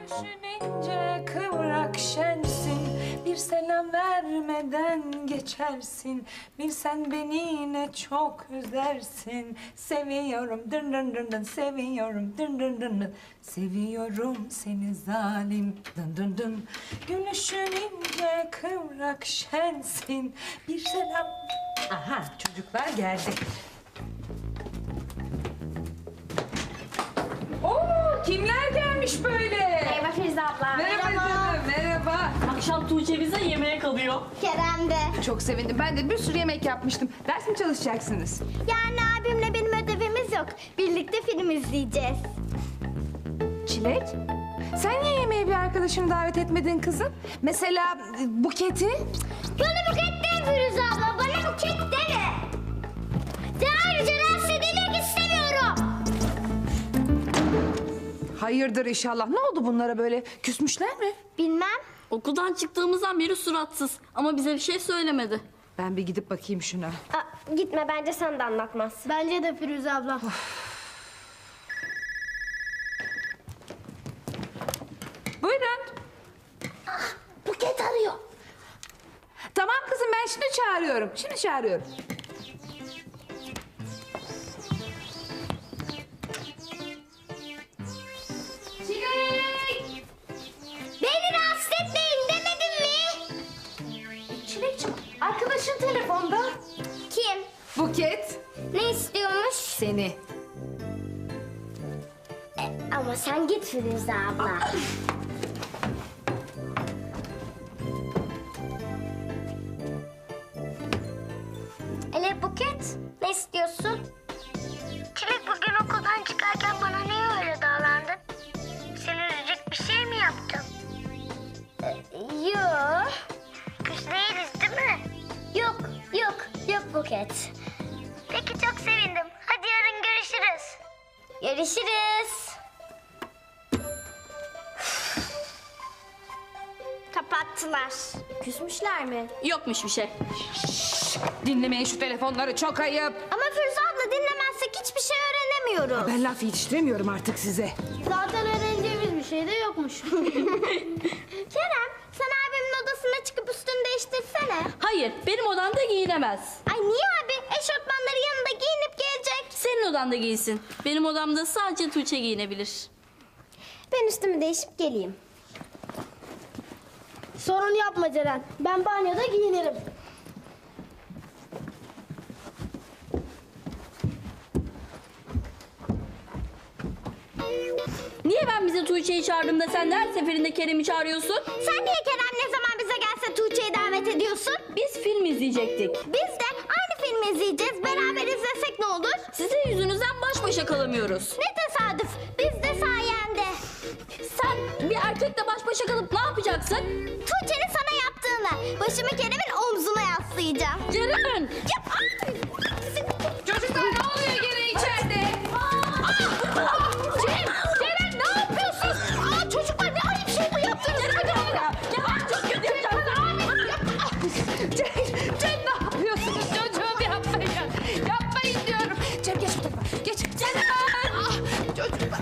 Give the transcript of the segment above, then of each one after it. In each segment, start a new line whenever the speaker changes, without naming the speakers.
Düşününce kıvrak şensin, bir selam vermeden geçersin. Bilsen beni ne çok üzersin. Seviyorum dın dın dın dın, seviyorum dın dın dın dın. Seviyorum seni zalim dın dın dın. Gülüşün ince kıvrak şensin, bir selam... Aha, çocuklar geldi. Oo, kimler gelmiş böyle?
Merhaba Firuze abla.
Merhaba canım, merhaba.
Akşam Tuğçe bize yemeğe kalıyor.
Kerem de.
Çok sevindim. Ben de bir sürü yemek yapmıştım. Ders mi çalışacaksınız?
Yani abimle benim ödevimiz yok. Birlikte film izleyeceğiz.
Çilek, sen niye yemeğe bir arkadaşını davet etmedin kızım? Mesela Buket'i?
Bana buket deme Firuze abla. Bana buket deme. Ayrıca rahatsız edilmek istemiyorum.
Hayırdır inşallah. Ne oldu bunlara böyle? Küsmüşler mi?
Bilmem.
Okuldan çıktığımızdan beri suratsız ama bize bir şey söylemedi.
Ben bir gidip bakayım şuna.
Gitme bence sen de anlatmaz. Bence de Firuze abla.
Buyurun.
Buket arıyor.
Tamam kızım, ben şimdi çağırıyorum. Şimdi çağırıyorum.
Çilek! Beni rahatsız etmeyin demedim mi?
Çilekciğim, arkadaşın telefonda.
Kim?
Buket.
Ne istiyormuş?
Seni.
Ama sen git Firuze abla. Ele Buket, ne istiyorsun? Çilek bugün okuldan çıkarken bana niye öyle davrandın? Seni üzecek bir şey mi yaptım? Yok. Küs değiliz değil mi? Yok Buket. Peki çok sevindim. Hadi yarın görüşürüz. Görüşürüz. Kapattılar. Küsmüşler mi?
Yokmuş bir şey.
Dinlemeyin şu telefonları, çok ayıp.
Ama Firuze abla dinlemezsek hiçbir şey öğrenemiyoruz.
Ben laf yetiştiremiyorum artık size.
Zaten öğreneceğimiz bir şey de yokmuş. Kerem, sen abimin odasına çıkıp üstünü değiştirsene.
Hayır, benim odamda giyinemez.
Ay niye abi? Eşofmanları yanında giyinip gelecek.
Senin odanda giysin. Benim odamda sadece Tuğçe giyinebilir.
Ben üstümü değişip geleyim. Sorun yapma Ceren. Ben banyoda giyinirim.
Niye ben bize Tuğçe'yi çağırdığımda sen de her seferinde Kerem'i çağırıyorsun?
Sen niye Kerem ne zaman bize gelse Tuğçe'yi davet ediyorsun?
Biz film izleyecektik.
Biz de aynı filmi izleyeceğiz. Beraber izlesek ne olur?
Sizin yüzünüzden baş başa kalamıyoruz.
Ne tesadüf. Biz de sayende.
Sen bir erkekle baş başa kalıp ne yapacaksın?
Tuğçe'nin sana yaptığını. Başımı Kerem'in omzuna yaslayacağım.
Ceren!
Yap.
Çocuklar ne oluyor gene içeride?
Ceren ne yapıyorsun? Çocuklar ne ayıp şey bu yaptınız.
Ceren çok kötü yapacaksın.
Cem ne yapıyorsunuz çocuğum, yapmayın. Yapmayın diyorum. Cem geç bu tarafa. Geç. Cem. Çocuklar.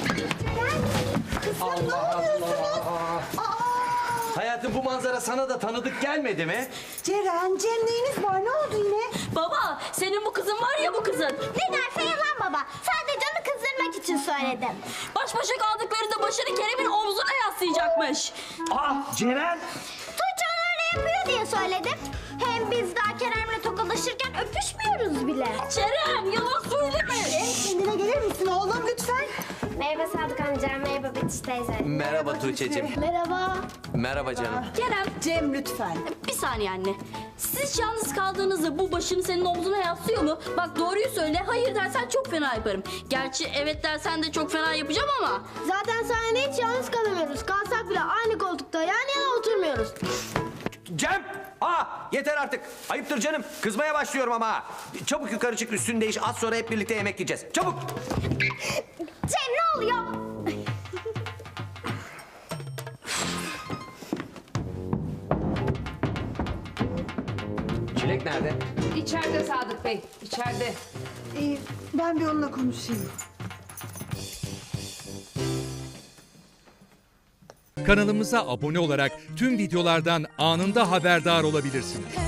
Allah Allah. Hayatım, bu manzara sana da tanıdık gelmedi mi?
Ceren, Cem neyiniz var? Ne oldu yine?
Baba, senin bu kızın var ya bu kızın.
Ne derse yalan baba. Sadece onu kızdırmak için söyledim.
Baş başa kaldıklarında başını Kerem'in omzuna yaslayacakmış.
Aa, Ceren!
Tuğçe onu öyle yapıyor diye söyledim. Hem biz daha Kerem'le tokalaşırken öpüşmüyoruz bile.
Ceren, yalan söyleme.
Kendine gelir misin oğlum lütfen?
Merhaba Sadık amca, merhaba Betiş teyze.
Merhaba Tuğçe'cim.
Merhaba.
Merhaba canım.
Kerem,
Cem lütfen.
bir saniye anne. Siz yalnız kaldığınızda bu başını senin omzuna yaslıyor mu? Bak doğruyu söyle, hayır dersen çok fena yaparım. Gerçi evet dersen de çok fena yapacağım ama.
Zaten sahnede hiç yalnız kalamıyoruz. Kalsak bile aynı koltukta yan yana oturmuyoruz.
Cem! Aa, yeter artık. Ayıptır canım. Kızmaya başlıyorum ama. Çabuk yukarı çık, üstünü değiş. Az sonra hep birlikte yemek yiyeceğiz. Çabuk!
Cem ne oluyor?
Çilek nerede?
İçeride Sadık Bey, içeride.
Ben bir onunla konuşayım.
Kanalımıza abone olarak tüm videolardan anında haberdar olabilirsiniz.